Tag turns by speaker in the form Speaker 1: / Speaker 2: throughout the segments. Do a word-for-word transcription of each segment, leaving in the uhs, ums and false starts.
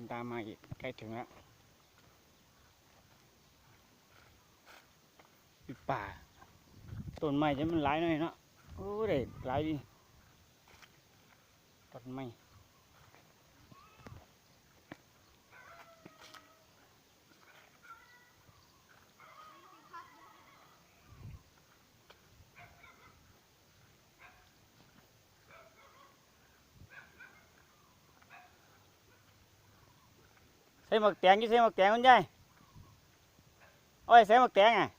Speaker 1: ตามมาอีกใกล้ถึงแล้วป่าต้นไม้จะมันหลายหน่อยเนาะโอ้ได้หลายดีต้นไม้ใส่หมวกแตงยี่ใส่หมวกแตงคุณยายโอ้ยใส่หมวกแตงอ่ะ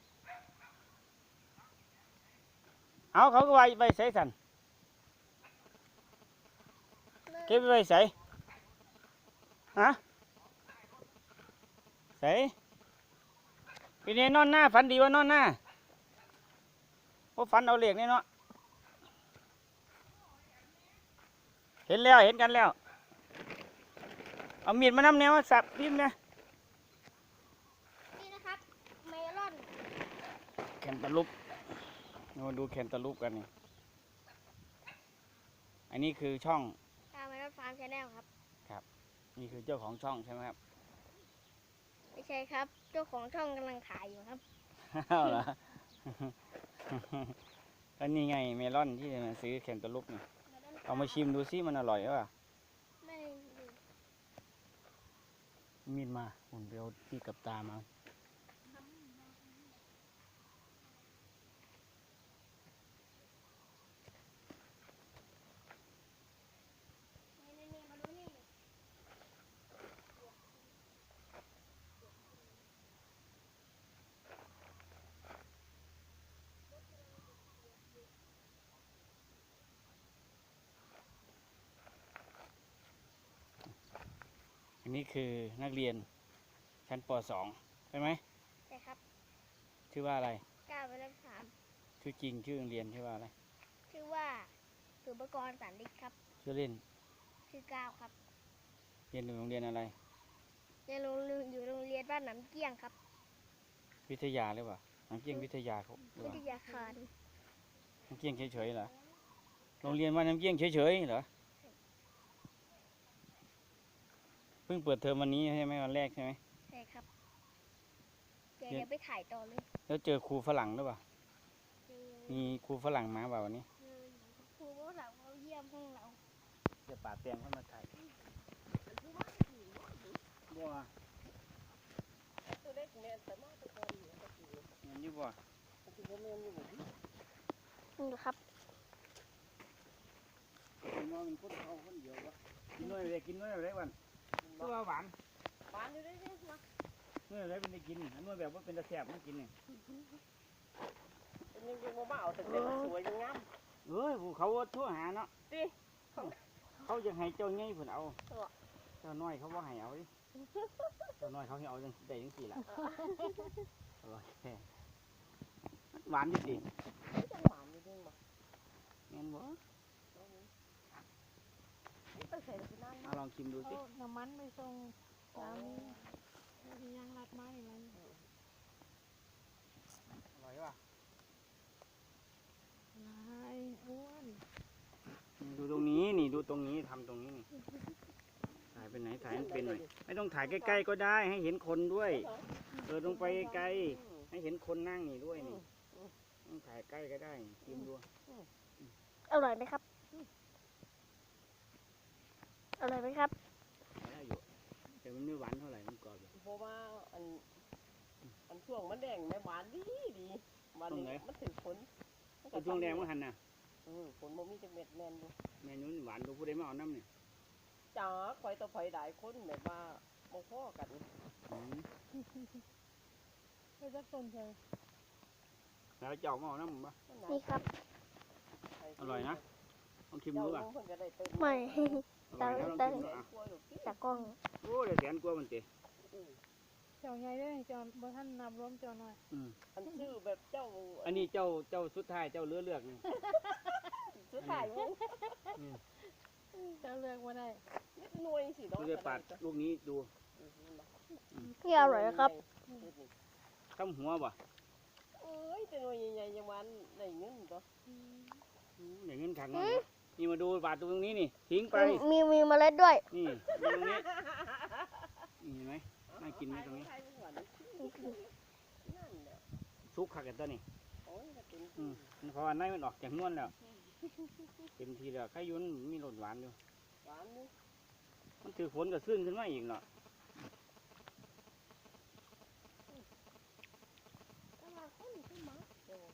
Speaker 1: เอาเขาก็ไว้ไว้ใส่สันเก็บไว้ใส่ฮะใส่ปีนี้นอนหน้าฝันดีว่านอนหน้าเพราะฝันเอาเหล็กนี่เนาะเห็นแล้วเห็นกันแล้วเอามีดมานำแนวสับพิมพ์เนี่ย
Speaker 2: นี่นะครับเมลอน
Speaker 1: แคนตาลูปมาดูแคนตาลูปกันนี่อันนี้คือช่อง
Speaker 2: ตามเมลอนฟาร์มชาแนลครับ
Speaker 1: ครับนี่คือเจ้าของช่องใช่ไหมครับ
Speaker 2: ไม่ใช่ครับเจ้าของช่องกำลังถ่ายอยู่ครับ
Speaker 1: เอาเหรออันนี้ไงเมลอนที่มาซื้อแคนตาลูปนี่เอามาชิมดูซิมันอร่อยหรือเปล่า
Speaker 2: ไม่
Speaker 1: มีดมาผมเดี๋ยวที่กับตามาอันนี้คือนักเรียนชั้นป .สอง ใช่ไหม
Speaker 2: ใช่ครับ
Speaker 1: ชื่อว่าอะไร
Speaker 2: ก้าวเมลอนฟาร์ม
Speaker 1: ชื่อจริงชื่อโรงเรียนชื่อว่าอะไร
Speaker 2: ชื่อว่าสุภกรสันติครับ
Speaker 1: ชื่อเล่น
Speaker 2: ชื่อก้าวครับ
Speaker 1: เรียนอยู่โรงเรียนอะไร
Speaker 2: เรียนโรงเรียนอยู่โรงเรียนบ้านหนำเกี้ยงครับ
Speaker 1: วิทยาหรือเปล่าน้ำเกี้ยงวิทยาเขา
Speaker 2: วิทยาคาร
Speaker 1: น้ำเกี้ยงเฉยๆเหรอโรงเรียนว่าน้ำเกี้ยงเฉยๆเหรอเพิ่งเปิดเทอมวันนี้ใช่ไหมวันแรกใช่ไหม
Speaker 2: ใช่ครับเดี๋ยวไปถ่ายต่อเลย
Speaker 1: แล้วเจอครูฝรั่งหรือเปล่ามีครูฝรั่งมาเปล่าวันนี้
Speaker 2: ครูฝรั่งเขาเยี่ยมห้องเรา
Speaker 1: จะป่าเตียงเข้ามาถ่ายบัว
Speaker 3: ตัวเล็กแม่แต่มาตะกอนเหนือตะกี้
Speaker 1: เงินอยู่บัว
Speaker 3: ตะกี้บ่แม่นอยู่บ่
Speaker 2: นี่ครับ
Speaker 1: กินน้อยมันคนเขาคนเดียววะกินน้อยเลยกินน้อยอะไรวันตัวหวาน
Speaker 3: หวานอยู่ได้เด้มา
Speaker 1: น้อยอะไรเป็นได้กินอันน้อยแบบว่าเป็นตะแสบมันกินเนี่ย
Speaker 3: เป็นยังยังบ่มาเอาแต่เด็กสวยยังงาม
Speaker 1: เอ้ยเขาทั่วหาเนาะ
Speaker 3: ติ
Speaker 1: เขาจะให้เจ้าไงเพิ่นเอาเจ้าน้อยเขาว่าให้เอาดิเจ้าน้อยเขาให้เอาจังได้จังสี่ละอร่อยแท้หวานอยู่ดิ
Speaker 3: ยังหวานอยู่ด้วยบ่
Speaker 1: แม่นบ่มาลองชิมดูสิ
Speaker 4: น้ำมันไม่ทรงสามีมียังรัดไม้อะไร
Speaker 1: อร่อยป่ะ
Speaker 4: ลายอ้วน
Speaker 1: ดูตรงนี้นี่ดูตรงนี้ทำตรงนี้นี่ถ่ายไปไหนถ่ายมันเป็นหน่อยไม่ต้องถ่ายใกล้ๆก็ได้ให้เห็นคนด้วยเออลงไปไกลให้เห็นคนนั่งนี่ด้วยนี่ต้องถ่ายใกล้ก็ได้ชิมดู
Speaker 2: อร่อยไหมครับอร่อยไหมครับ
Speaker 1: ได้อยู่แต่มันไม่หวานเท่าไหร่มันกรอบอยู่
Speaker 3: เพราะว่าอันอันช่วงมันแดงแม่หวานดีดีมันมันถึงผล
Speaker 1: ช่วงแดงมันหันน่ะ
Speaker 3: อือผลบ่มีจักเม็ดแม่นอยู่
Speaker 1: แม่นู้นหวานดูผู้ใดมาเอาน้ำเนี่ย
Speaker 3: จ๋าข่อยต่อข่อยหลายคนแบบว่าบ่พอกัน
Speaker 4: ไม่จะสนใจ
Speaker 1: แล้วเจ้ามาเอาน้ำป่ะ
Speaker 2: นี่ครับ
Speaker 1: อร่อยนะลองชิมดูอ่ะ
Speaker 2: ไม่ตาตาจากกล้อง
Speaker 1: โอ้เดี๋ยวแสนกว่ามันเตะ
Speaker 4: เจ้าใหญ่ด้วยเจ้าบ่ท่านนับรวมเจ้าหน่อย
Speaker 3: อันชื่อแบบเจ้า
Speaker 1: อันนี้เจ้าเจ้าสุดท้ายเจ้าเลือกเลือกนี่
Speaker 3: สุดท้ายมั้ง
Speaker 4: เจ้าเลือกว่าได้
Speaker 3: หน่วยสิ
Speaker 1: ดูจะปัดลูกนี้ดู
Speaker 2: นี่อร่อยครับ
Speaker 1: ข้ามหัวป่ะ
Speaker 3: เอ้ยแต่หน่วยใหญ่ๆยังมันได้เงินตัว
Speaker 1: ได้เงินขังมันนี่มาดูปาดตรงนี้นี่ทิ้งไป
Speaker 2: มีมีเมล็ดด้วย
Speaker 1: นี่ตรงนี้ากินไหมตรงนี้
Speaker 3: ไทยหวานนั่นแหละ
Speaker 1: ซุกขักกันตัวนี้
Speaker 3: โอ้ยก็เป็น
Speaker 1: อืมมันเพราะว่าในมันออกจากนวลแล้วเต็มทีแล้วไข่ยุนมีรสหวานอยู่
Speaker 3: หวานนี่
Speaker 1: มันถือฝนก็ซึ้งขึ้นมาอีกเนาะ